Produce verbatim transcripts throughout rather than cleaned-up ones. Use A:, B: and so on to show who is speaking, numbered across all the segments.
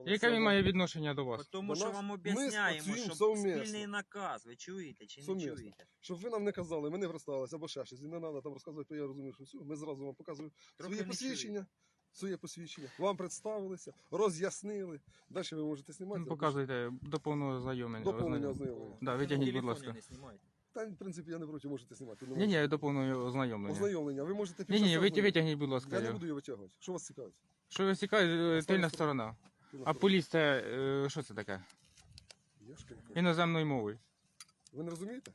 A: Яке він має відношення до вас?
B: Тому
C: До
B: що
C: нас
B: вам
C: ми
B: об'ясняємо,
C: працюємо
B: що
C: совмісно.
B: спільний наказ, ви чуєте чи не
C: Совмісно.
B: чуєте?
C: Щоб ви нам не казали, ми не вросталися або ще щось. І не треба там розказувати, я розумію, що все. Ми зразу вам показуємо
B: Трохи
C: своє
B: не
C: посвідчення. Своє посвідчення. Вам представилися, роз'яснили. Далі ви можете знімати.
A: Ну, показуйте до повного ознайомлення.
C: Доповнення
A: Ознайом-
C: ознайомлення.
A: Да,
B: На
A: витягніть, будь
B: телефоні
A: ласка.
B: не знімайте.
C: Та, в принципі, я не проти, можете знімати.
A: Ні, ні, до повного ознайомлення.
C: Ознайомлення. Ви можете
A: Ні, ні,
C: півчаса
A: ви
C: ознайомити.
A: витягніть, будь ласка.
C: Я не
A: його.
C: буду її витягувати. Що вас цікавить?
A: Що ви цікавите, тильна
C: Остання
A: сторона.
C: Тильна
A: А
C: сторона.
A: поліс це е, що це таке?
C: Я ж кажу.
A: Іноземною мовою.
C: Ви не розумієте?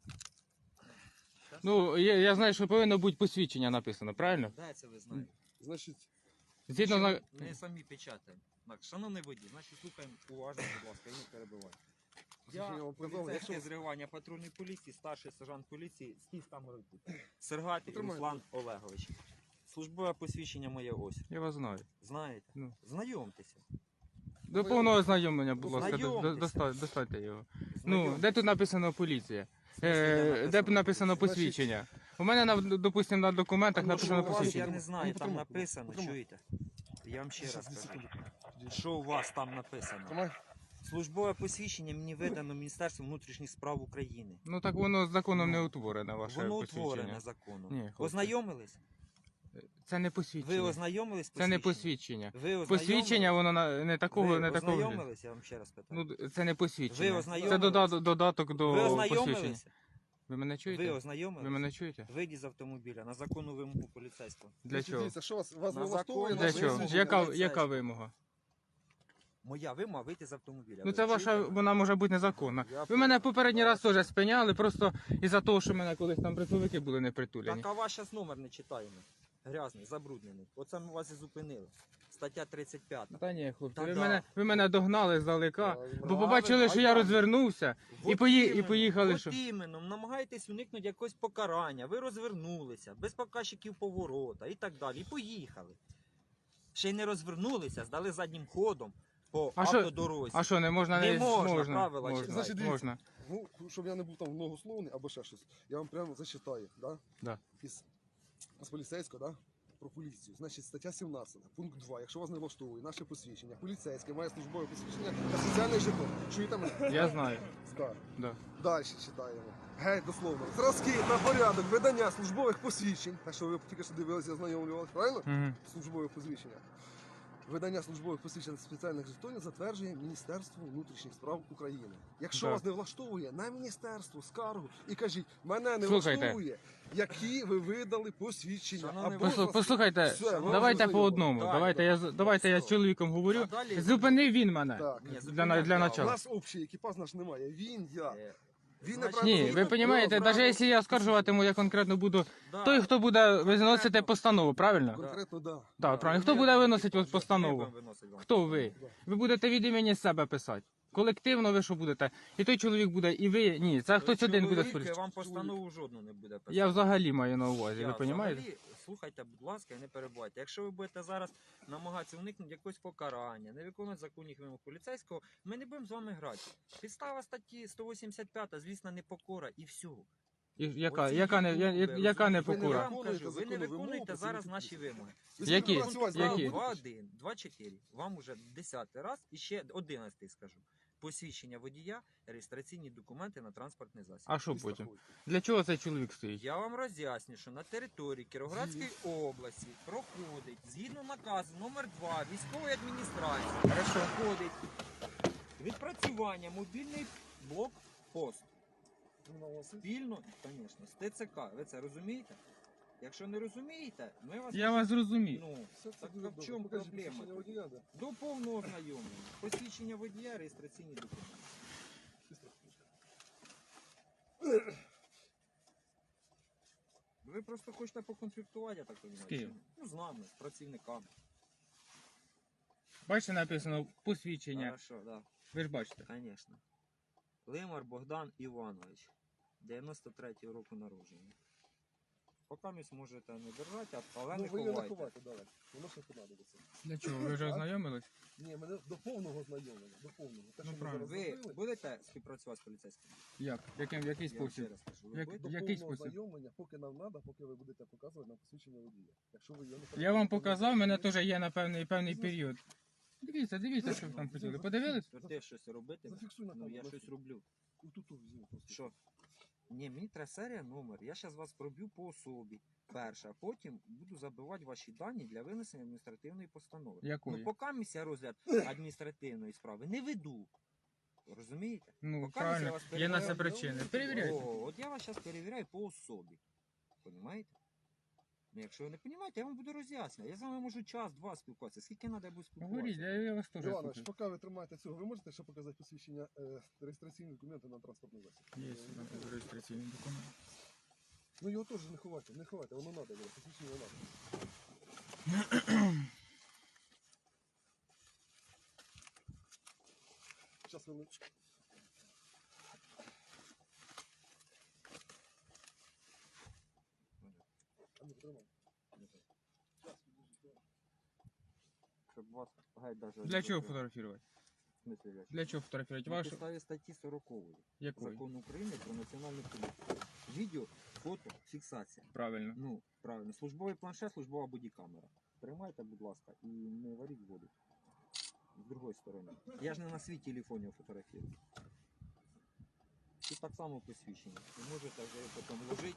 A: Ну, я, я знаю, що повинно бути посвідчення написано, правильно?
B: Де це ви знаєте?
C: Значить,
A: Згідно
B: Що
A: на...
B: Ми самі печатаємо. Так, шановний водій, значить слухаємо уважно, будь ласка, і не перебивайте.
C: Слухай, я вам казав,
B: Поліцейське
C: якщо-
B: з реагування патрульної поліції, старший сержант поліції, стів там робить. Сергатий
C: Потримайте.
B: Руслан Олегович. Службове посвідчення моє ось.
A: Я вас знаю.
B: Знаєте?
A: Ну.
B: Знайомтеся.
A: До повного ознайомлення, будь ласка, до- до-
B: Знайомтеся.
A: доста- достаньте його. Ну,
B: Знайомтеся.
A: де тут написано поліція?
B: смислі,
A: Е,
B: де
A: де б написано
C: Значить-
A: посвідчення? У мене, на- допустимо, на документах
C: А може,
A: написано
C: у вас
B: Я
A: посвідчення.
B: не знаю,
C: Ну,
B: там
C: потримай,
B: написано,
C: потримай.
B: чуєте? Я вам ще раз
C: Щас, дві
B: кажу.
C: секунди.
B: Що у вас там написано?
C: Тримай.
B: Службове посвідчення мені видано Міністерством внутрішніх справ України.
A: Ну так воно законом не утворене, ваше
B: Воно
A: посвідчення.
B: утворене законом.
A: Ні, хлопці.
B: Ознайомились?
A: Це не
B: Ви
A: посвідчення.
B: ознайомились з
A: Це не
B: посвідченням?
A: посвідчення.
B: Ви
A: Посвідчення, воно на- не такого,
B: ви
A: не такого.
B: ознайомились, я вам ще раз питаю.
A: Ну, це не посвідчення.
B: Ви
A: Це
B: ознайомились?
A: додаток, додаток до
B: ви
A: посвідчення.
B: ознайомились?
A: Ви мене чуєте?
B: Ви
A: Ви,
B: ознайомились?
A: мене чуєте?
B: Вийдіть з автомобіля на законну вимогу поліцейського.
A: Для
C: Значить,
A: чого?
C: Дивіться, що вас, вас
B: На
C: не влаштовує?
B: закон-
A: Для
C: наше
A: чого?
C: висвітлення?
A: Яка,
B: поліцейського.
A: яка вимога?
B: Моя вимога вийти з автомобіля.
A: Ну
B: Ви
A: це ваша,
B: чуєте?
A: вона може бути незаконна.
B: Я
A: Ви мене попередній раз теж спиняли, просто із-за того, що мене колись там притулики були не притулені.
B: Так, а ваш зараз номер не читаємо. Грязний, забруднений. Оце ми вас і зупинили. Стаття тридцять п'ята.
A: Та ні, хлопці,
B: Та
A: ви
B: да.
A: мене, ви мене догнали здалека,
C: Правильно.
A: бо побачили, що я
B: Правильно.
A: розвернувся і,
B: От
A: пої... і
B: іменно,
A: поїхали.
B: от
A: Що...
B: іменно, намагаєтесь уникнути якогось покарання. Ви розвернулися, без показчиків поворота і так далі. І поїхали. Ще й не розвернулися, здали заднім ходом по
A: А що-
B: автодорозі.
A: А що, не можна?
B: Не
A: Не
B: можна,
A: можна,
B: правила
A: можна,
B: читати.
C: Значить, дивіться.
A: можна.
C: Ну, щоб я не був там многословний або ще щось, я вам прямо зачитаю, да?
A: Да.
C: Із, з поліцейського, да? Про поліцію. Значить, стаття сімнадцята, пункт два. Якщо вас не влаштовує наше посвідчення, поліцейське має службове посвідчення та соціальний жетон. Чуєте мене?
A: Я знаю.
C: Так.
A: Да.
C: Далі читаємо. Геть дословно. Зразки та порядок видання службових посвідчень. Так що ви тільки що дивилися, ознайомлювалися, правильно?
A: Угу.
C: Службових посвідчення. Видання службових посвідчень спеціальних жетонів затверджує Міністерство внутрішніх справ України. Якщо
A: Да.
C: вас не влаштовує, на міністерство скаргу і кажіть, мене не
A: Слухайте.
C: влаштовує, які ви видали посвідчення.
B: Шановний
C: Або
A: Послу-
C: зразки.
A: Послухайте,
C: Все, ви
A: давайте
C: вже
A: по одному.
B: Так,
A: Давайте я, з- давайте я з чоловіком говорю.
B: А далі-
A: Зупинив він мене.
C: Так.
B: Ні,
A: Для, на-
B: зупиняйте,
A: для
B: а
C: У
A: начала.
C: нас общий екіпаж наш немає. Він, я.
B: Е,
C: Він
B: значить,
C: не
A: Ні,
C: правильно.
A: ви розумієте, навіть якщо я оскаржуватиму, я конкретно буду
B: да.
A: той, хто буде виносити
B: Конкретно.
A: постанову, правильно?
C: Конкретно, да.
A: Так, правильно.
B: Ми
A: Хто буде
B: будемо
A: виносити
B: виносити
A: постанову?
B: ми будемо виносити вам.
A: Хто ви? Ви будете від імені себе писати. Колективно ви що будете? І той чоловік буде, і ви. Ні, це хтось
B: Ви
A: один буде
B: чоловік,
A: спорити.
B: вам постанову жодну не буде писати.
A: Я взагалі маю на увазі,
B: Я
A: ви розумієте?
B: взагалі, слухайте, будь ласка, і не перебувайте. Якщо ви будете зараз намагатися уникнути якогось покарання, не виконувати законних вимог поліцейського, ми не будемо з вами грати. Підстава статті сто вісімдесят п'ять, звісно, непокора і все.
A: І яка,
B: Оці
A: яка, не, я-
B: ютубери,
A: я- яка не
B: розумієте? Я
A: покора?
B: вам кажу,
C: Виконуєте
B: ви не
C: законну
B: виконуєте
C: вимогу,
B: зараз
C: це
B: наші
C: не
B: вимоги.
C: Ви
A: Які?
C: будете працювати з нами
A: Які?
C: будете?
B: два один, два чотири. Вам уже десятий раз і ще одинадцятий скажу. Посвідчення водія, реєстраційні документи на транспортний засіб.
A: А що
C: І
A: потім?
C: страхуйте.
A: Для чого цей чоловік стоїть?
B: Я вам роз'ясню, що на території Кіровоградської області проходить, згідно наказу номер два військової адміністрації, проходить відпрацювання мобільний блокпост. Спільно, звісно, з ТЦК. Ви це розумієте? Якщо не розумієте, ми вас...
A: Я вас зрозумів.
B: Ну,
C: Все це
B: так
C: дуже
B: а в
C: добре.
B: чому
C: Покажіть
B: проблема?
C: посвідчення водія, да.
B: До повного ознайомлення. Посвідчення водія, реєстраційні документи.
C: І страхуйте.
B: Ви просто хочете поконфліктувати, я так розумію.
A: З ким?
B: чи ні? Ну, з нами, з працівниками.
A: Бачите, написано посвідчення.
B: Хорошо, да.
A: Ви ж бачите.
B: Звісно. Лимар Богдан Іванович. дев'яносто третього року народження. Поки місь можете не держати, але
C: Ну,
B: не
C: ви його не
B: ховайте.
C: ховайте, давай. Воно ще понадобиться.
A: Для чого? Ви вже ознайомились?
C: Ні, мене до повного знайомлення, до повного. Те,
A: Ну,
C: що ми
A: правильно.
C: зараз
B: Ви
C: зробили,
B: будете співпрацювати з поліцейським?
A: Як? Яким, в який
B: Я вам ще
A: спосіб?
B: раз кажу. Ви
A: Як-
B: будете?
C: до
A: який
C: повного
A: спосіб?
C: знайомлення, поки нам треба, поки ви будете показувати нам посвідчення водія. Якщо ви його не
A: Я вам
C: покажете,
A: показав,
C: то
A: мене
C: ви-
A: теж є на певний, певний період. Дивіться, дивіться, що ви там хотіли. Подивились?
B: То ти щось робити?
C: Зафіксуй на
B: Ну я
C: камеру.
B: щось роблю.
C: Тут візьми просто.
B: Що? Ні, мені треба серія номер. Я зараз вас проб'ю по особі. Перше, а потім буду забивати ваші дані для винесення адміністративної постанови.
A: Якої?
B: Ну, поки місія розгляд адміністративної справи не веду. Розумієте?
A: Ну,
B: Поки
A: правильно.
B: я вас
A: Є на це
B: перевіряю.
A: причини. Перевіряйте.
B: О, от я вас зараз перевіряю по особі. Понімаєте? Ну, якщо ви не розумієте, я вам буду роз'яснювати. Я з вами можу час-два спілкуватися. Скільки треба буде
A: Говоріть,
B: спілкуватися?
A: я, я вас теж
C: Іванович,
A: слухаю.
C: поки ви тримаєте цього, ви можете ще показати посвідчення е, реєстраційні документи на транспортний засіб?
A: Є реєстраційний документ.
C: Ну його теж не ховайте, не ховайте, воно треба, було, посвідчення треба. Зараз хвилиночку. А ну, тримай. Щас, підожди.
B: Щоб вас геть даже...
A: Для чого фотографувати?
B: В смислі, для чого?
A: Для чого фотографувати?
B: На
A: Вашу?
B: підставі статті сорокової
A: Якої?
B: Закону України про національну поліцію. Відео, фото, фіксація.
A: Правильно.
B: Ну, правильно. Службовий планшет, службова бодікамера. Тримайте, будь ласка, і не варіть воду. З другої сторони. Я ж не на свій телефон його фотографірую. Тут так само посвідчення. Ви можете вже його потім вложити.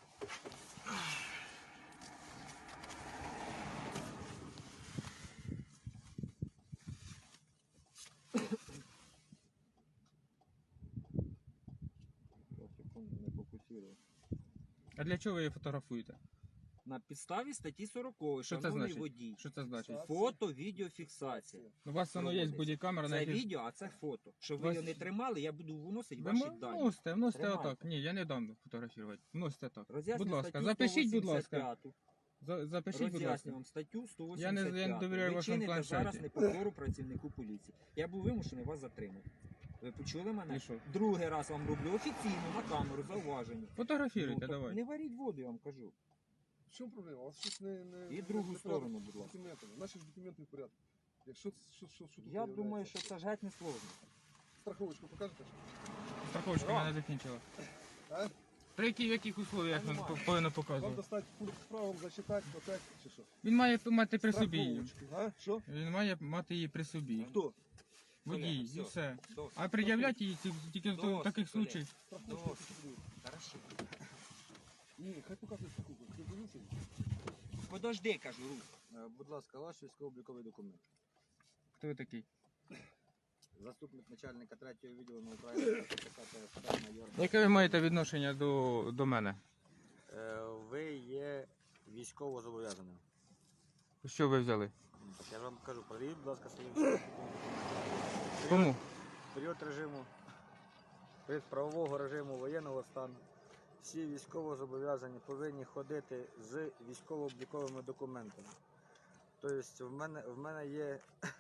B: Я секунду не фокусую.
A: А для чого ви її фотографуєте?
B: На підставі статті сорокової,
A: Що це
B: шановний
A: значить?
B: водій.
A: Що це значить?
B: Фото, відеофіксація.
A: У вас воно є
B: Проводиться.
A: бодікамера, на
B: Це
A: якій...
B: відео, а це фото. Щоб ви
A: Вас-
B: його не тримали, я буду виносити
A: Ви
B: ваші
A: мо-
B: дані.
A: вносите, вносите
B: Тримайте.
A: отак. Ні, я не дам фотографувати. Вносите так.
B: Роз'ясню
A: Будь ласка,
B: статтю
A: запишіть, будь ласка.
B: сто вісімдесят п'яту.
A: За- Запишіть, будь ласка.
B: Роз'ясню вам статтю сто
A: Я не-
B: вісімдесят п'яту.
A: я не довіряю
B: Ви
A: вашому
B: чините
A: планшеті.
B: зараз непокору працівнику поліції. Я був вимушений вас затримати. Ви почули мене?
A: І що?
B: Другий раз вам роблю офіційно на камеру зауваження.
A: Фотографіруйте,
B: Ну, так
A: давай.
B: Не варіть воду, я вам кажу.
C: В чому проблема? У вас щось не... не
B: І
C: не-
B: другу
C: не
B: сторону,
C: порядок
B: будь
C: з
B: ласка.
C: документами. Наші ж документи в порядку. Якщо що, що, що тут
B: Я думаю,
C: виявляється?
B: що це ж геть не сложно.
C: Страховочку покажете?
A: Страховочка
B: Ура!
A: мене закінчила.
C: А?
A: При яких, в яких условиях він
B: Нормально.
A: по- повинен
C: Вам
A: показувати?
C: достати пункт з правом, зачитати, отак, чи що?
A: Він має мати при собі її.
C: Страховочку, а? Що?
A: Він має мати її при собі.
C: Хто?
A: Водій,
B: Колега,
A: і
B: все.
A: все.
B: Досить.
A: А пред'являти її ті- тільки в
B: Досить,
A: таких
B: колега.
A: случаях.
C: Страховочку
B: Досить.
C: потрібно.
B: Хорошо.
C: Ні, хай показує страховку. Ти дивився?
B: Подожди, кажу, Русь.
D: Е, Будь ласка, ваш військово-обліковий документ.
A: Хто ви такий?
D: Заступник начальника третього відділу на Україні майор.
A: Яке ви маєте відношення до, до мене?
D: Е, Ви є військово зобов'язаним.
A: Що ви взяли?
D: Я ж вам кажу, перевіріть, будь ласка, свої військові документи.
A: Кому?
D: Період режиму, період правового режиму воєнного стану. Всі військово зобов'язані повинні ходити з військово-обліковими документами. Тобто в мене, в мене є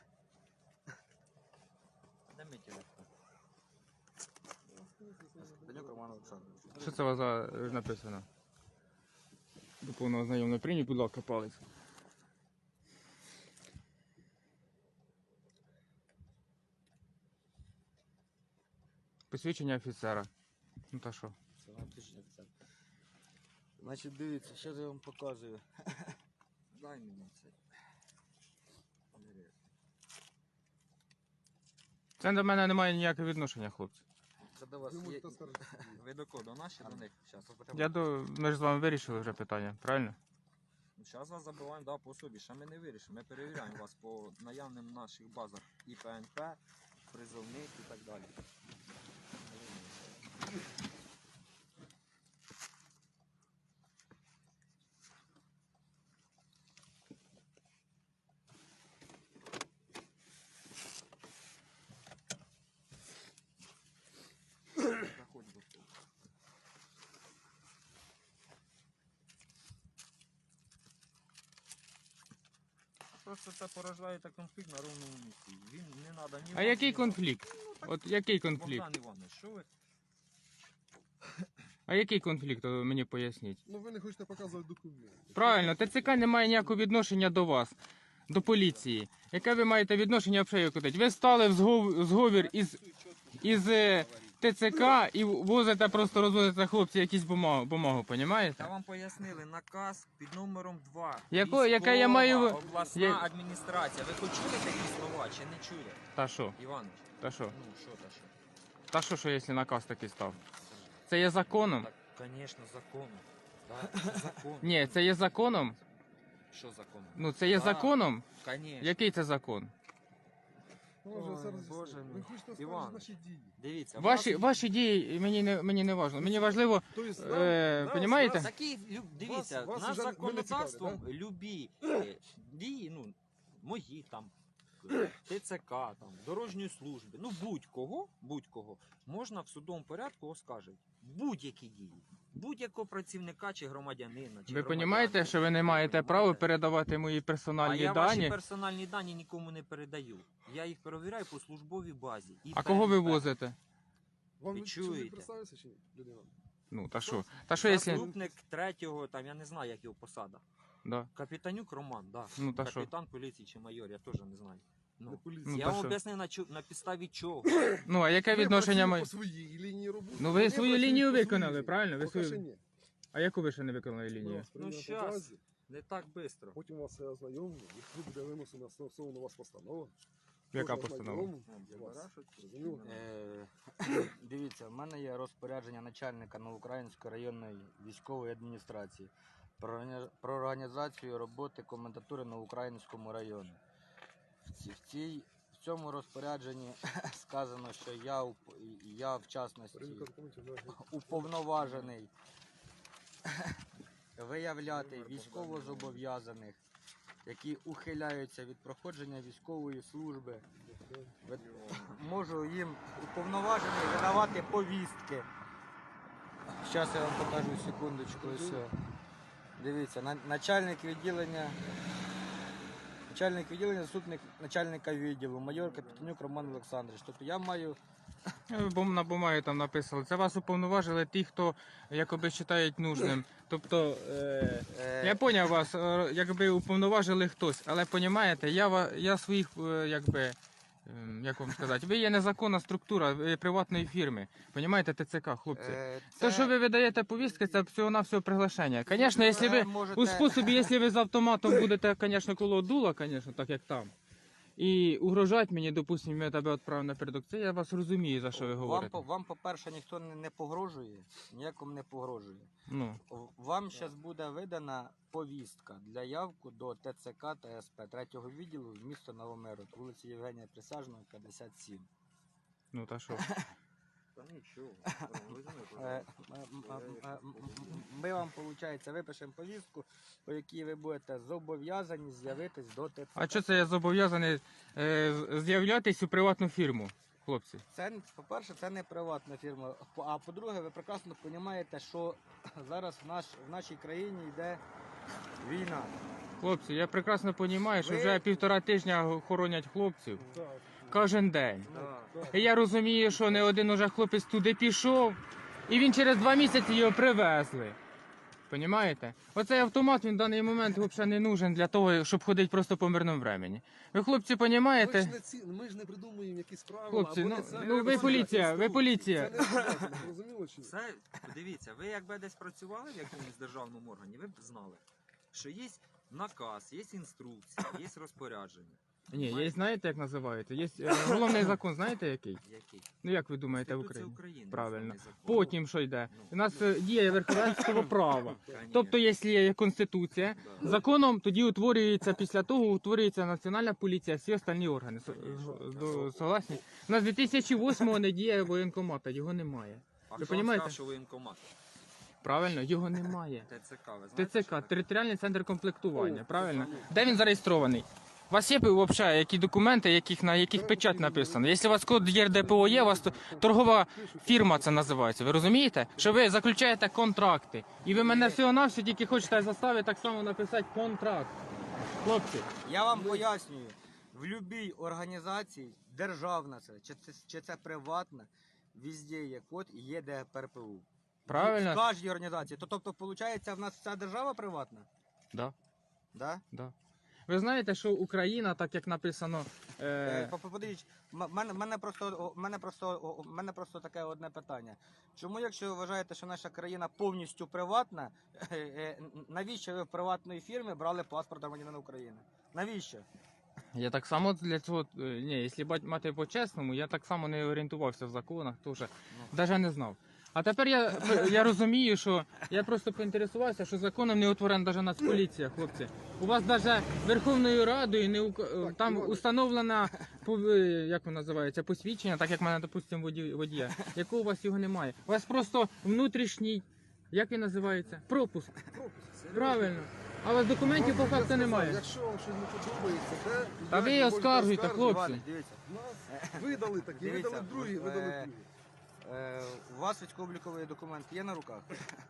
B: Дай мій телефон.
D: Данюк Роман Олександрович.
A: Що це у вас за е, написано? До повного знайомого прийміть, будь ласка, палець. Посвідчення офіцера. Ну та що?
D: Це вам отлично, офіцер. Значить, дивіться, що я вам показую.
B: Дай мені це.
A: Це до мене не має ніякого відношення, хлопці.
D: Це до вас
C: Ви
D: є.
C: можете скаржити.
B: Ви до кого? До наші, до них? Зараз.
A: Я до... Ми ж з вами вирішили вже питання, правильно?
B: Зараз вас забиваємо да, по собі, ще ми не вирішимо. Ми перевіряємо вас по наявним наших базах і П Н П, призовник і так далі. Заходь до того. Просто це порождає та конфлікт на ровному місці. Він не треба ні
A: А
B: вам,
A: який
B: ні вам.
A: конфлікт? От який конфлікт?
B: Богдан Іванович, що ви?
A: А який конфлікт, о, мені поясніть?
C: Ну ви не хочете показувати документи.
A: Правильно, Т Ц К не має ніякого відношення до вас, до поліції. Яке ви маєте відношення взагалі куди? Ви стали в згов- зговір із, із е, ТЦК і возите, просто розвозите хлопці якісь бумагу, бумагу,
B: Та
A: понімаєте?
B: вам пояснили наказ під номером два.
A: Яко- яке я маю-
B: Військова обласна
A: я-
B: адміністрація. Ви хоч чули такі слова чи не чули?
A: Та що?
B: Іванович,
A: Та що?
B: ну що та що?
A: Та що, що, якщо наказ такий став? Це є законом?
B: Так, звісно, законом. Так, це закон.
A: Ні, це є законом.
B: Що законом?
A: Ну, це є
B: Так.
A: законом.
B: Звісно.
A: Який це закон?
C: Ну, вже
B: Ой,
C: все роз'яснили.
B: Боже
C: Ви
B: мій.
C: хочете сказати
B: Іван.
C: наші дії.
B: Дивіться, в
A: Ваші,
B: нас-
A: ваші дії мені не, мені не важливо. Мені важливо,
C: Тобто,
A: Е,
C: нас-
A: понімаєте?
C: нас-
B: Такі, лю- дивіться,
C: вас
B: наш
C: уже не
B: законодавством
C: цікавить,
B: любі е, дії, ну, мої там, е, ТЦК, там, дорожньої служби, ну будь-кого, будь-кого, можна в судовому порядку оскаржити. Будь-які дії. Будь-якого працівника чи громадянина. Чи
A: ви
B: громадянки.
A: розумієте, що ви не маєте права передавати мої
B: А
A: персональні
B: я
A: дані.
B: ваші персональні дані нікому не передаю. Я їх перевіряю по службовій базі. І
A: А кого ви
B: ПНП.
A: возите?
C: Вам
B: Ви
C: ви
B: чуєте?
C: чуєте? Представився чи ні, людина?
A: Ну, та що? Та що, якщо...
B: Заступник третього, там, я не знаю, як його посада.
A: Да.
B: Капітанюк Роман, да.
A: Ну, та що?
B: Капітан поліції чи майор, я теж не знаю.
C: Не
B: Ну,
C: поліція.
A: Ну,
B: я
A: та
B: вам
A: що?
B: об'яснив на, чу- на підставі чого.
A: Ну, а яке
C: Ви
A: відношення
C: працюєте
A: має?
C: по своїй лінії роботи.
A: Ну, ви
C: Вони
A: свою
C: працюють
A: лінію
C: по своїй
A: виконали,
C: лінії.
A: правильно? Ви
C: Поки
A: свою-
C: що ні.
A: А яку ви ще не виконали
C: Ми
A: лінію?
C: вас приймемо
B: Ну,
C: по
B: щас.
C: базі,
B: Не так швидко.
C: потім вас все ознайомимо, якщо буде винесена стосовно вас постанова.
A: Яка
C: Кожен
A: постанова?
C: ознайомимо вас. Зрозуміло?
D: Е, Дивіться, в мене є розпорядження начальника Новоукраїнської районної військової адміністрації про органі- про організацію роботи комендатури на Українському районі. В ці- в цій в цьому розпорядженні сказано, що я уп- я в частності
C: Перевірка документів, да.
D: уповноважений виявляти військовозобов'язаних, які ухиляються від проходження військової служби. Ви- Можу їм уповноважений видавати повістки. Зараз я вам покажу секундочку. Ось. о. Дивіться, на- начальник відділення. Начальник відділення, заступник начальника відділу, майор Капітанюк Роман Олександрович. Тобто я маю
A: Е, Бо на бумагі там написали. Це вас уповноважили ті, хто якоби вважають нужним. Тобто, е,
D: е,
A: я поняв вас, е, якби уповноважили хтось, але понімаєте, я, ва- я своїх, е, якби, ем, як вам сказати, ви є незаконна структура ви є приватної фірми. Понімаєте, ТЦК, хлопці.
D: е,
A: То,
D: це-
A: що ви видаєте повістки, це всього-навсього приглашення. Звісно, якщо ви
D: Е, можете-
A: у способі, якщо ви з автоматом будете, звісно, коло дула, звісно, так як там. І угрожати мені, допустимо, я тебе відправив напередок, це я вас розумію, за що ви
D: Вам,
A: говорите.
D: по- вам, по-перше, ніхто не, не погрожує, ніякому не погрожує.
A: Ну,
D: В- Вам зараз буде видана повістка для явку до ТЦК та СП третього відділу в місто Новомирод, вулиці Євгенія Присяжного, п'ятдесят сім.
A: ну та що.
B: Та нічого.
D: Е, м- м- м- м- м- Ми вам, виходить, випишемо повістку, по якій ви будете зобов'язані з'явитись до ТЦК.
A: А що це я зобов'язаний е, з- з'являтись у приватну фірму, хлопці?
D: Це, по-перше, це не приватна фірма. По- А по-друге, ви прекрасно розумієте, що зараз в, наш, в нашій країні йде війна.
A: Хлопці, я прекрасно розумію, що
D: Ви-
A: вже півтора тижня хоронять хлопців
C: Так,
A: кожен день.
C: так.
A: І я розумію, що не один уже хлопець туди пішов, і він через два місяці його привезли. Понімаєте? Оцей автомат він в даний момент взагалі не нужен для того, щоб ходити просто по мирному времені. Ви, хлопці,
C: Ми ж
A: розумієте?
C: не ці, ми ж не придумуємо якісь правила.
A: Хлопці,
C: або
A: ну-
C: не це,
A: ну,
C: або
A: ви
C: це
A: поліція, ви
C: інструкції.
A: поліція.
C: Це не обов'язано, зрозуміло чи ні?
B: Це, дивіться, ви якби десь працювали в якомусь державному органі, ви б знали, що є наказ, є інструкція, є розпорядження.
A: Ні, є, знаєте, як називається? Є е, головний закон, знаєте який?
B: Який?
A: Ну як ви думаєте в
B: Конституція
A: Україні?
B: України.
A: Правильно.
B: основний закон.
A: Потім що йде? У нас е, діє верховенство права.
B: Конечно.
A: Тобто, якщо є конституція,
B: Да.
A: законом тоді утворюється після того, утворюється національна поліція, всі остальні органи. Со-
B: Конечно.
A: до- Согласні? У нас з дві тисячі восьмого не діє воєнкомата, його немає.
B: А
A: ви
B: хто вам
A: понімаєте?
B: сказав, що воєнкомат?
A: Правильно, його немає.
B: ТЦК, ви знаєте? що
A: ТЦК,
B: таке?
A: територіальний центр комплектування,
C: О,
A: правильно?
C: це
A: Де він зареєстрований? У вас є взагалі які документи, яких, на яких печать написано? Якщо у вас код ЄРДПО є, у вас то- торгова фірма це називається. Ви розумієте? Що ви заключаєте контракти. І ви мене всього-навсього тільки хочете заставити так само написати контракт. Хлопці,
D: Я вам пояснюю, в будь-якій організації, державна це, чи це, чи це приватна, везде є код і є ДПРПУ.
A: правильно?
D: В кожній організації. То, тобто, виходить, в нас вся держава приватна?
A: Да,
D: Да?
A: да. Ви знаєте, що Україна, так як написано.
D: Е,
A: Е...
D: по- по- Подивіться, м- мене, мене просто, о, мене просто, о, мене просто таке одне питання. Чому, якщо ви вважаєте, що наша країна повністю приватна, е, е, навіщо ви в приватної фірми брали паспорт громадянина України? Навіщо?
A: Я так само для цього. е, Ні, якщо бать- мати по-чесному, я так само не орієнтувався в законах, теж навіть не знав. А тепер я, я розумію, що я просто поінтересувався, що законом не утворена навіть Нацполіція, хлопці. У вас навіть Верховною Радою не ука- там
C: Іване.
A: установлена пов- е, як воно називається, посвідчення, так як в мене, допустимо, воді- водія. Якого у вас його немає? У вас просто внутрішній, як він називається? Пропуск. Правильно. А у вас документів по
C: Вам я
A: факту
C: сказав,
A: немає.
C: Якщо вам щось не подобається, де
A: Та
C: як
A: ви
C: можете
A: оскаржуйте,
C: оскаржити.
A: хлопці.
D: Іване, дивіться.
C: Нас видали такі,
D: Дивіться,
C: видали другі, видали
D: е,
C: другі.
D: Е, у вас військово-обліковий документ є на руках?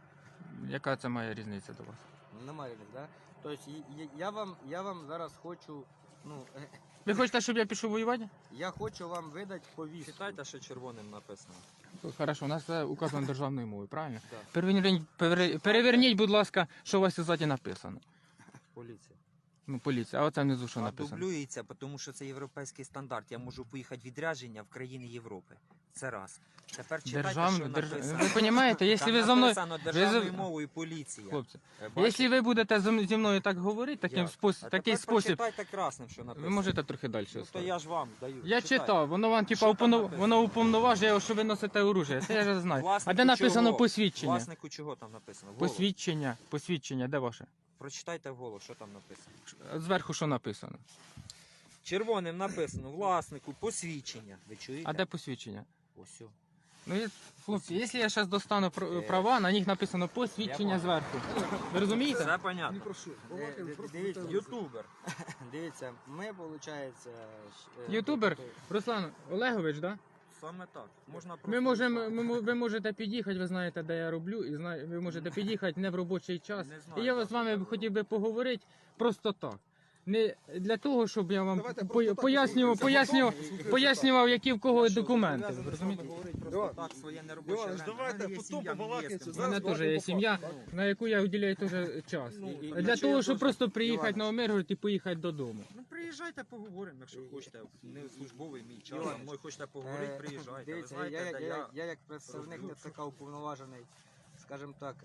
A: Яка це має різниця до вас?
D: Немає, так? Тобто і- і- я вам, я вам зараз хочу, ну, е,
A: Ви хочете, щоб я пішов воювати?
D: я хочу вам видати повістку.
B: Читайте, що червоним написано.
A: Хорошо, у нас це указано державною мовою, правильно?
D: Так.
A: Переверніть, пере- переверніть, будь ласка, що у вас ззаді написано.
B: Поліція.
A: Ну, поліція, а оце внизу що
B: А
A: написано.
B: дублюється, тому що це європейський стандарт. Я можу поїхати відрядження в країни Європи. Це раз. Тепер читайте,
A: Державна,
B: що
A: держ...
B: написано.
A: Ви розумієте, якщо
B: Там
A: ви за мною,
B: написано
A: ви
B: державною
A: за-
B: мовою поліція.
A: хлопці,
B: Е, бачите?
A: якщо ви будете зі зі мною так говорити, таким
B: Як?
A: спосіб,
B: А
A: такий
B: тепер
A: спосіб,
B: прочитайте красним, що написано.
A: ви можете трохи далі
B: Ну, то
A: оставити.
B: я ж вам даю.
A: Я
B: Читайте.
A: читав, воно вам типа
B: Що там
A: уповно...
B: написано?
A: воно уповноважує, що ви носите оружие. Це я вже знаю. А
B: Власнику
A: де написано
B: чого?
A: посвідчення?
B: Власнику чого там написано? Вголос.
A: Посвідчення, посвідчення, де ваше?
B: Прочитайте вголос, що там написано.
A: Зверху що написано?
B: Червоним написано власнику посвідчення. Ви чуєте?
A: А де посвідчення?
B: Ось. о.
A: Ну, я- хлопці, якщо я зараз достану пр-
B: Е.
A: права, на них написано посвідчення
B: Я
A: зверху. Ви розумієте?
B: Все
C: Ні
B: понятно.
C: про що.
D: Ди-
C: Балакаємо
D: ди-
C: просто
D: дивіться,
C: про те,
B: Ютубер.
D: Дивіться, ми, виходить...
A: Ютубер Руслан Олегович, да?
B: Саме так. Можна просто
A: Ми можемо,
B: Руслан.
A: ми, мо- ви можете під'їхати, ви знаєте, де я роблю, і знає, ви можете під'їхати не в робочий час.
B: Не знаю,
A: І я
B: так,
A: з вами
B: так.
A: хотів би поговорити просто так. Не для того, щоб я вам
C: Давайте
A: по-
C: просто так
A: пояснював,
C: послухаємо.
A: пояснював,
C: Послухаємо.
A: пояснював, які в кого
B: Я що,
A: документи.
B: зобов'язаний
A: Ви
B: з вами
A: розумієте?
B: говорити просто
C: Іван,
B: так, своє неробоче
C: Іван,
B: время.
C: давайте
B: У мене є
C: потім
B: сім'я, мені є
C: побалакаємо,
B: з ким
A: У мене
C: зараз
A: теж є
C: по
A: сім'я,
C: факту.
A: на яку я виділяю теж час.
B: Ну,
D: І- і-
A: Для
D: і-
A: того,
D: і-
A: щоб просто приїхати
D: Іван.
A: на Омиргород і поїхати додому.
B: Ну приїжджайте, поговоримо, якщо хочете. Не службовий мій час,
D: Іван,
B: а мною хочете поговорити,
D: Е,
B: приїжджайте. Ви
D: Дивіться,
B: знаєте,
D: я, я,
B: де
D: я,
B: я...
D: я як представник ТЦК уповноважений, скажімо так,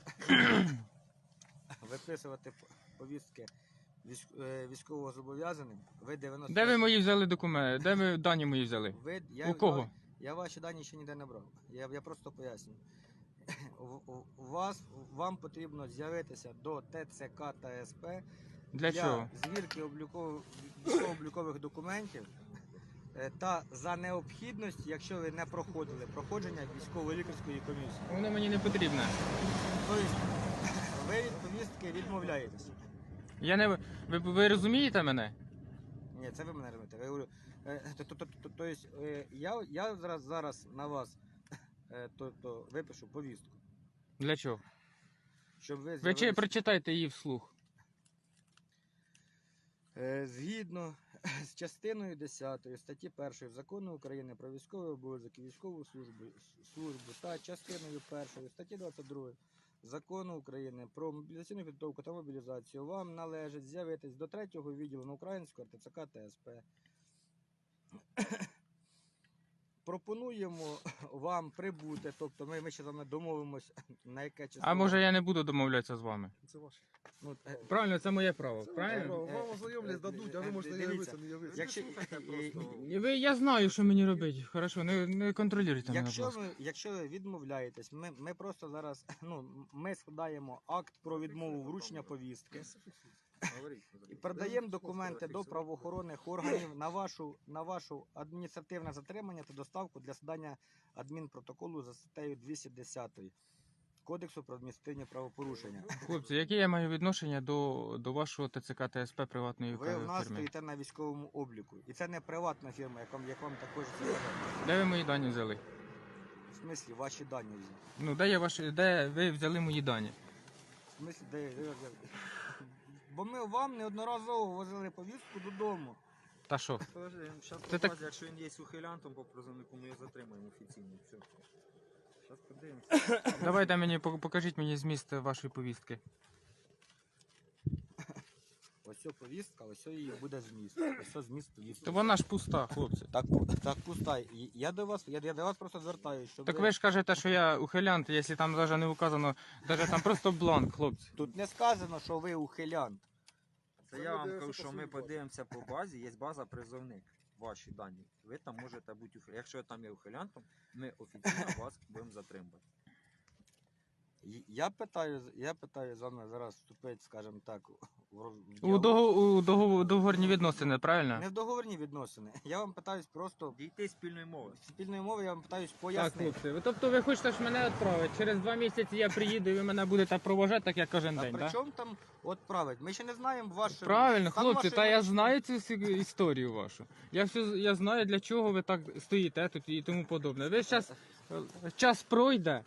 D: виписувати п- повістки військ- е, військово зобов'язаним. Ви дев'яносто...
A: Де ви мої взяли документи? Де ви дані мої взяли?
D: Ви, я,
A: У кого?
D: Я, я ваші дані ще ніде не брав. Я, я просто поясню. У, у- у вас, вам потрібно з'явитися до ТЦК та СП
A: Для чого?
D: звірки облікових, військово-облікових документів е, та за необхідності, якщо ви не проходили проходження військово-лікарської комісії.
A: Воно мені не потрібно.
D: Тобто ви від повістки відмовляєтеся.
A: Я не ви, ви розумієте мене?
D: Ні, це ви мене розумієте. Я говорю, е, то- то- то- то- Тобто е, я, я зараз, зараз на вас е, то, то випишу повістку,
A: Для чого?
D: щоб ви
A: Ви чи
D: з'явилися-
A: прочитайте її вслух.
D: Е, Згідно з частиною десятою статті першої Закону України про військовий обов'язок і військову службу, службу та частиною першої статті двадцять другої Закону України про мобілізаційну підготовку та мобілізацію вам належить з'явитись до третього відділу на українського ТЦК та СП. Пропонуємо вам прибути, тобто ми, ми ще з вами домовимось на яке число.
A: А може я не буду домовлятися з вами?
C: Це ваше.
D: Ну, е,
A: Правильно, це моє право.
C: Це
A: Правильно?
C: ваше право. Вам ознайомлять, дадуть, а ви можете не
D: Дивіться,
C: явитися, не явитися.
D: Якщо,
B: Слухайте
D: е,
B: просто.
A: І Ви, я знаю, що мені робити. Хорошо, не, не контролюйте мене, будь
D: Якщо
A: ласка.
D: ви, якщо ви відмовляєтесь, ми, ми просто зараз ну, ми складаємо акт про відмову вручення повістки і передаємо документи до правоохоронних органів на вашу, на вашу адміністративне затримання та доставку для складання адмінпротоколу за статтею двісті десять Кодексу про адміністративні правопорушення.
A: Хлопці, яке я маю відношення до, до вашого ТЦК та СП приватної
D: Ви в нас
A: фірми?
D: стоїте на військовому обліку. І це не приватна фірма, як вам, як вам також сказати.
A: Де ви мої дані взяли?
D: В смислі, ваші дані взяли.
A: Ну, де я ваші, де ви взяли мої дані?
D: В смислі, де, де, де? Бо ми вам неодноразово возили повістку додому.
A: Та що?
B: Подожди, зараз
A: Це так-
B: якщо він є ухилянтом по призовнику, ми його затримаємо офіційно. Все. Зараз подивимося.
A: Давайте мені, пок- покажіть мені зміст вашої повістки.
D: Ось ця повістка, ось ця її буде зміст. Ось це зміст повістки.
A: То вона ж пуста, хлопці.
D: Так, так пуста. І Я до вас, я, я до вас просто звертаюся, щоб
A: Так ви ж кажете, що я ухилянт, якщо там навіть не указано, навіть там просто бланк, хлопці.
D: Тут не сказано, що ви ухилянт.
B: Це я вам кажу, що ми подивимося по базі, є база призовник, ваші дані. Ви там можете бути ухилянтом. Якщо там є ухилянтом, ми офіційно вас будемо затримувати.
D: І- Я питаю, я питаю з вами зараз вступити, скажімо так, в роз- в
A: У,
D: діалог.
A: дого, у дого, договорні відносини, правильно?
D: Не в договорні відносини. Я вам питаюсь просто
B: Дійти спільної мови.
D: спільною мовою, я вам питаюсь
A: Так,
D: пояснити.
A: хлопці, ви- тобто ви хочете ж мене відправити. Через два місяці я приїду і ви мене будете провожати, так як кожен
D: А
A: день,
D: при
A: так?
D: чому там от править? Ми ще не знаємо вашу...
A: Правильно,
D: стан
A: хлопці,
D: вашої
A: та я
D: медичної-
A: знаю цю всю історію вашу. Я все я знаю, для чого ви так стоїте тут і тому подобне. Ви зараз час пройде,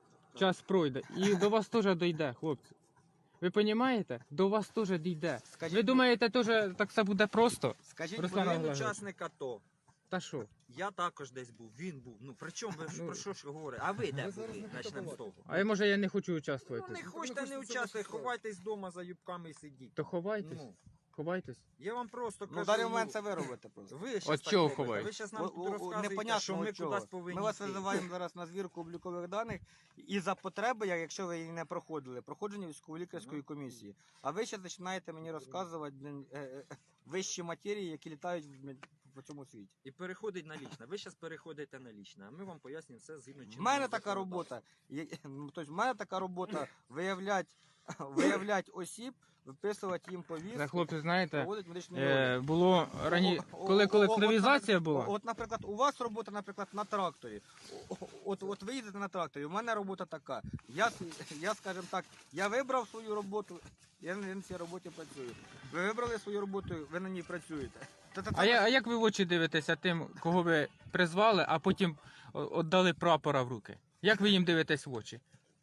A: час пройде, і до вас теж дійде, хлопці. Ви розумієте? До вас теж дійде.
D: Скажіть,
A: Ви думаєте, теж так все буде просто?
D: Скажіть,
A: Руслан
D: будь-
B: Він
A: Олегович.
B: учасник АТО.
A: Та що?
B: Я також десь був, він був. Ну при чому ви ж
A: Ну,
B: про що ж говорите? А ви де
C: ви зараз
B: були?
C: не
B: Почнемо з того.
A: А я може я не хочу
B: Ну
A: участвувати.
B: не
C: Ви
B: хочете,
C: хочете
B: не
C: це
B: участвуйте,
C: ваша справа.
B: ховайтесь вдома за юбками і сидіть.
A: То ховайтесь,
B: Ну,
A: ховайтесь.
B: я вам просто кажу.
D: Ну, в даний
B: ну,
D: момент це ви робите просто.
B: Ви щас
A: От
B: так
A: чого
B: робите.
A: ховаєте?
B: Ви зараз нам
D: О-
B: тут
D: о- о,
B: розказуєте,
D: непонятно
B: що ми
D: от чого.
B: кудись повинні
D: Ми вас
B: йти.
D: визиваємо зараз на звірку облікових даних і за потреби, як- якщо ви її не проходили, проходження військово-лікарської комісії. А ви ще починаєте мені розказувати блін, е, е, вищі матерії, які літають в- по цьому світі.
B: І переходить на лічне. Ви зараз переходите на лічне, а ми вам пояснюємо все згідно
D: В
B: чинного
D: мене така
B: законодавства.
D: робота. є- ну, Тобто, в мене така робота виявляти виявлять осіб, виписувати їм повістки,
A: Та, хлопці, знаєте,
D: проводити медичний
A: е,
D: огляд.
A: було рані...
D: О, о,
A: коли
D: о,
A: колективізація
D: от,
A: була.
D: От, наприклад, у вас робота, наприклад, на тракторі. О, От, от ви їдете на тракторі, у мене робота така. Я, я скажімо так, я вибрав свою роботу, я на цій роботі працюю. Ви вибрали свою роботу, ви на ній працюєте. Та- та-
A: А, я, а як ви в очі дивитеся тим, кого ви призвали, а потім о- віддали прапора в руки? Як ви їм дивитесь в очі?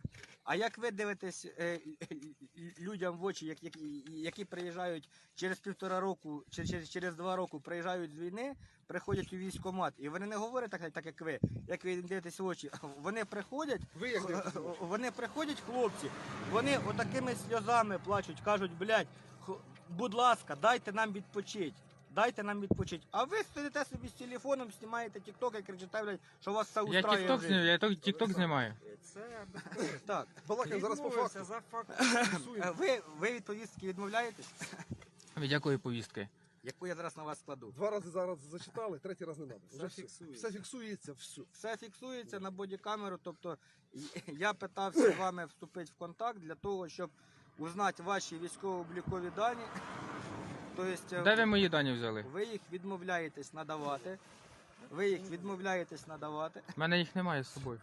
D: А як ви дивитесь е, людям в очі, як- які, які приїжджають через півтора року, чи через, через два роки приїжджають з війни, приходять у військкомат, і вони не говорять так, так як ви, як ви їм дивитесь в очі. Вони приходять,
C: Ви як дивитесь в очі?
D: вони приходять, хлопці, вони отакими сльозами плачуть, кажуть, блядь, х- будь ласка, дайте нам відпочити. Дайте нам відпочити. А ви сидите собі з телефоном, знімаєте тікток і кричите, блядь, що у вас все
A: Я
D: устраює.
A: тікток
D: в житті.
A: знімаю, я ток- тікток знімаю.
B: Це
D: Так.
C: Балакаємо зараз по
B: відмовився
C: факту.
B: за факт.
D: Е, Ви, ви від повістки відмовляєтесь?
A: Від якої повістки?
D: Яку я зараз на вас складу?
C: Два рази зараз зачитали, третій раз не треба.
B: Все фіксується.
C: Все фіксується, все.
D: Все фіксується на бодікамеру, тобто й- я питався з вами вступити в контакт для того, щоб узнати ваші військово-облікові дані. Тобто
A: Де ви мої дані взяли?
D: ви їх відмовляєтесь надавати. Ви їх відмовляєтесь надавати.
A: У мене їх немає з собою.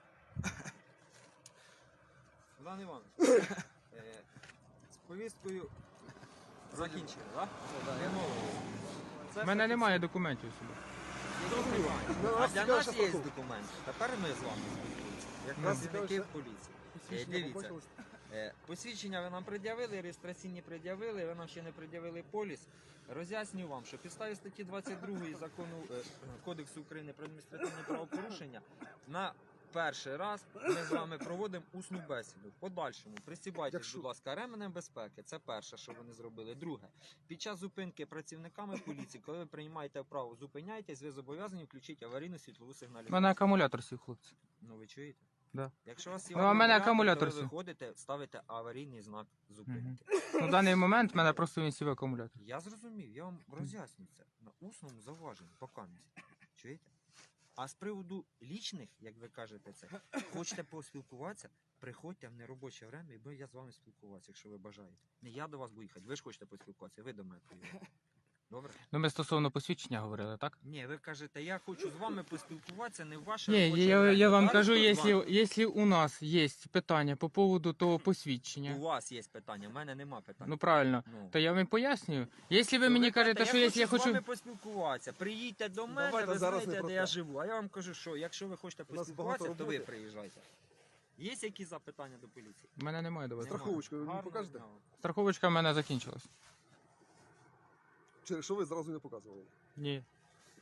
B: Іван Іванович, е, з повісткою закінчили, так?
A: У мене немає документів з собою.
C: Ну,
B: А
C: нас
B: для
C: цікаве,
B: нас
C: що
B: є
C: такого.
B: документи. Тепер ми з вами спілкуємося. Як
C: Нас
B: працівники
C: цікаве,
B: поліції. Е,
C: Посвідчення
B: Дивіться,
C: побачили?
B: е, посвідчення ви нам пред'явили, реєстраційні пред'явили, ви нам ще не пред'явили поліс. Роз'яснюю вам, що підставі статті двадцять другої закону е, Кодексу України про адміністративні правопорушення на перший раз ми з вами проводимо усну бесіду. В подальшому пристібайтесь,
C: Якщо-
B: будь ласка, ременем безпеки. Це перше, що вони зробили. Друге, під час зупинки працівниками поліції, коли ви приймаєте вправу, зупиняйтесь, ви зобов'язані включити аварійну світлову
A: У
B: сигналізацію.
A: мене акумулятор сів, хлопці.
B: Ну ви чуєте?
A: Да.
B: Якщо у вас є
A: Ну, а в мене
B: акумулятор,
A: акумулятор
B: то ви
A: сів.
B: виходите, ставите аварійний знак зупинки.
A: Ну, в даний момент в мене просто він сів акумулятор.
B: Я зрозумів, я вам роз'ясню це на усному зауваженні, покамість. Чуєте? А з приводу лічних, як ви кажете це, хочете поспілкуватися, приходьте в неробоче время, і я з вами спілкуватися, якщо ви бажаєте. Не я до вас буду їхати, ви ж хочете поспілкуватися, ви до мене приїдете. Добре?
A: Ну, ми стосовно посвідчення говорили, так?
B: Ні, ви кажете, я хочу з вами поспілкуватися, не в ваше
A: Ні,
B: робоче
A: я,
B: время.
A: я вам
B: Так,
A: кажу,
B: хто з
A: якщо,
B: вами?
A: якщо у нас є питання по поводу того
B: У
A: посвідчення,
B: вас є питання, в мене нема питань.
A: ну правильно,
B: Ну.
A: то я вам пояснюю. Якщо ви
B: То
A: мені
B: кажете,
A: кажете, що якщо я
B: з
A: хочу...
B: вами поспілкуватися, приїдьте до мене,
C: Давайте
B: ви
C: зараз
B: знаєте,
C: не
B: де
C: про
B: я
C: те.
B: живу. А я вам кажу, що якщо ви хочете
C: У нас
B: поспілкуватися,
C: багато
B: то ви
C: роботи.
B: приїжджайте. Є якісь запитання до поліції?
A: У мене немає до вас.
B: Нема.
C: Страховочку ви мені
B: Гарного
C: покажете?
B: дня вам.
A: Страховочка в мене закінчилась.
C: Через що ви зразу не показували?
A: Ні.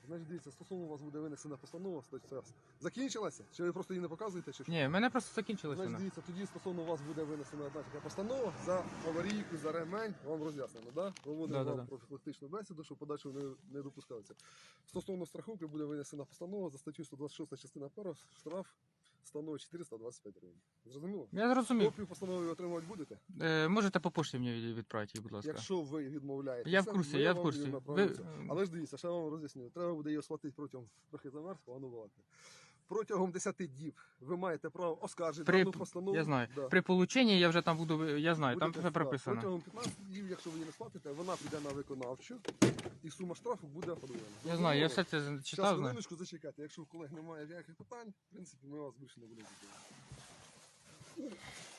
C: Значить, дивіться, стосовно вас буде винесена постанова, стаття. Закінчилася? Чи ви просто її не показуєте? Чи що?
A: Ні, в мене просто закінчилось
C: Значить,
A: вона.
C: дивіться, тоді стосовно вас буде винесена одна така постанова за аварійку, за ремень, вам роз'яснено, да? Проводимо
A: Да, да,
C: вам
A: да.
C: профілактичну бесіду, щоб подальше не, не допускалося. Стосовно страховки буде винесена постанова за статтю сто двадцять шість частина перша, штраф становить чотириста двадцять п'ять гривень. Зрозуміло?
A: Я зрозумів.
C: Копію постанови ви отримувати будете?
A: Е, можете по пошті мені відправити, її, будь ласка.
C: Якщо ви відмовляєтеся,
A: Я в курсі,
C: ми
A: я в
C: вам
A: курсі.
C: її
A: Ви...
C: направимо. Але ж дивіться, ще вам роз'ясню. Треба буде її схватити протягом трохи замерз, погано балакати. Протягом десяти діб ви маєте право оскаржити
A: При-
C: дану постанову.
A: Я знаю.
C: Да.
A: При полученні я вже там буду, я знаю, там
C: Будете,
A: все
C: да,
A: прописано.
C: Протягом п'ятнадцяти днів, якщо ви її не сплатите, вона піде на виконавчу і сума штрафу буде подвоєна.
A: Я знаю, я все це
C: Зараз
A: читав, знаю.
C: хвилиночку зачекайте. Якщо у колег немає ніяких питань, в принципі, ми вас більше не будемо зупиняти.